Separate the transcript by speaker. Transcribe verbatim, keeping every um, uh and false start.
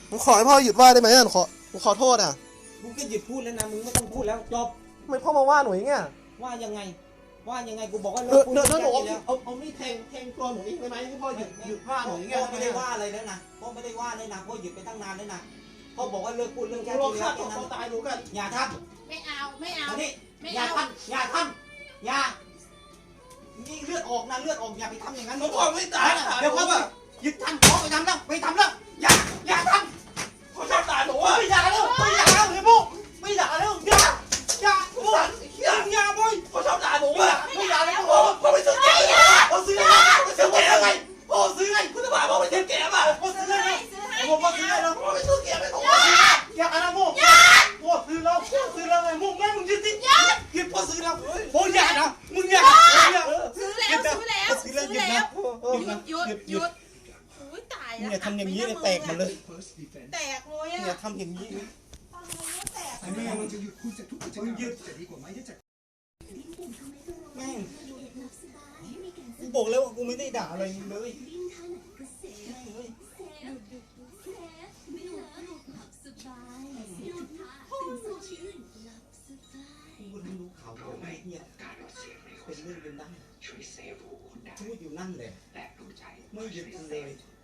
Speaker 1: ผมขอให้พ่อหยุดว่าได้ไหมอ่ะขอผมขอโทษอ่ะ
Speaker 2: มึงก็หยุดพูดแล้วนะมึงไม่ต้องพูดแล้วจบ
Speaker 1: ทำไมพ่อมาว่าหนูอย่างเงี้ย
Speaker 2: ว่ายังไงว่ายังไงกูบอกว่าเลิ
Speaker 1: เดี๋ยว
Speaker 2: กพูด
Speaker 1: เดี๋ยวหนู
Speaker 2: แล้ว
Speaker 1: เอาเอามีดแทงแทงตัวหนูเองได้ไหมให้พ่อหยุดหยุดว่าหนูอย่างเงี้ย
Speaker 2: พ่อไม่ได้ว่าอะไรแล้วนะพ่อไม่ได้ว่าเลยนะพ่อหยุดไปตั้งนานแล้วนะพ่อบอกว่าเลิกพูดเรื่องแค่
Speaker 1: รอ
Speaker 2: นี้
Speaker 1: ฆ่า
Speaker 2: แล้ว
Speaker 1: ตัวตายหนูกัน
Speaker 2: อย่าท
Speaker 3: ไม่เอาไม่
Speaker 2: ำ
Speaker 3: เอา
Speaker 2: อันนี้
Speaker 3: ไม่
Speaker 2: อย่า
Speaker 3: เอา
Speaker 2: ทำอย่าทำอย่านี่เลือดออกนะเลือดออกอย่าไปทำอย่างนั้น
Speaker 1: หนูบอกไม่ตายนะ
Speaker 2: เดี๋ยวพ่อแบบหยุดทำพ่อไปทำแล้วไปทำแล้วอย่าอย่าทำ
Speaker 1: พ่อชอบด่าหนูอ่ะ
Speaker 2: ไม่อย่าแล้วไม่อย่าแล้วเฮ้ยพวกไม่อย่าแล้วอย่าอย่าพวกอย่าบ่อย
Speaker 1: พ่อชอบด่าหนูอ่ะ
Speaker 2: ไม่อย่าแล้ว
Speaker 1: พ่อพ่อไปซื้อแกะพ่อซื้ออะไรพ่อซื้อแกะอะไรพ่อซื้อไงคุณจะมาพ่อไปซื้อแกะป่ะ
Speaker 2: พ่อซื้อ
Speaker 3: ซื้อ
Speaker 2: ให้
Speaker 3: ให้ซื้อให้
Speaker 2: ผมพ่อซื้อให้แล้ว
Speaker 1: พ่อไปซื้อแกะไม่ถูก
Speaker 2: อย่าอะไรพวกพ่อซื้อแล้วพ่อซื้อแล้วไงพวกแม่มึงยึดติยึดพ่อซื้อแล้วพ่ออย่านะมึงอย่าอย่า
Speaker 3: ซื้อแล้วซื้อแล้ว
Speaker 2: ซื้
Speaker 3: ซื้
Speaker 2: อ
Speaker 3: อ
Speaker 2: แล้วหยุด
Speaker 3: แล้
Speaker 2: นะ
Speaker 3: วหยุดหยุดหยุดอุ้ยตายแล้ว
Speaker 2: อย่าทำอย่างนี้เลยแตกหมดเลย
Speaker 3: แตกเลย
Speaker 2: อย่า
Speaker 3: อ่ะ
Speaker 2: ทำอย่างนี้
Speaker 3: แตก
Speaker 2: แม่มึง
Speaker 4: จะหยุดคุณจะทุกกิจกรรมจะดีกว่าไหมที่จะ
Speaker 2: แม่งกูบอกแล้วว่ากูไม่ได้ด่าอะไรมึงเลยกูรู้ข่าวไอ้เนี่ยเป็นเรื่องเป็นนั่นพูดอยู่นั่นแหละไม่หยุดเลย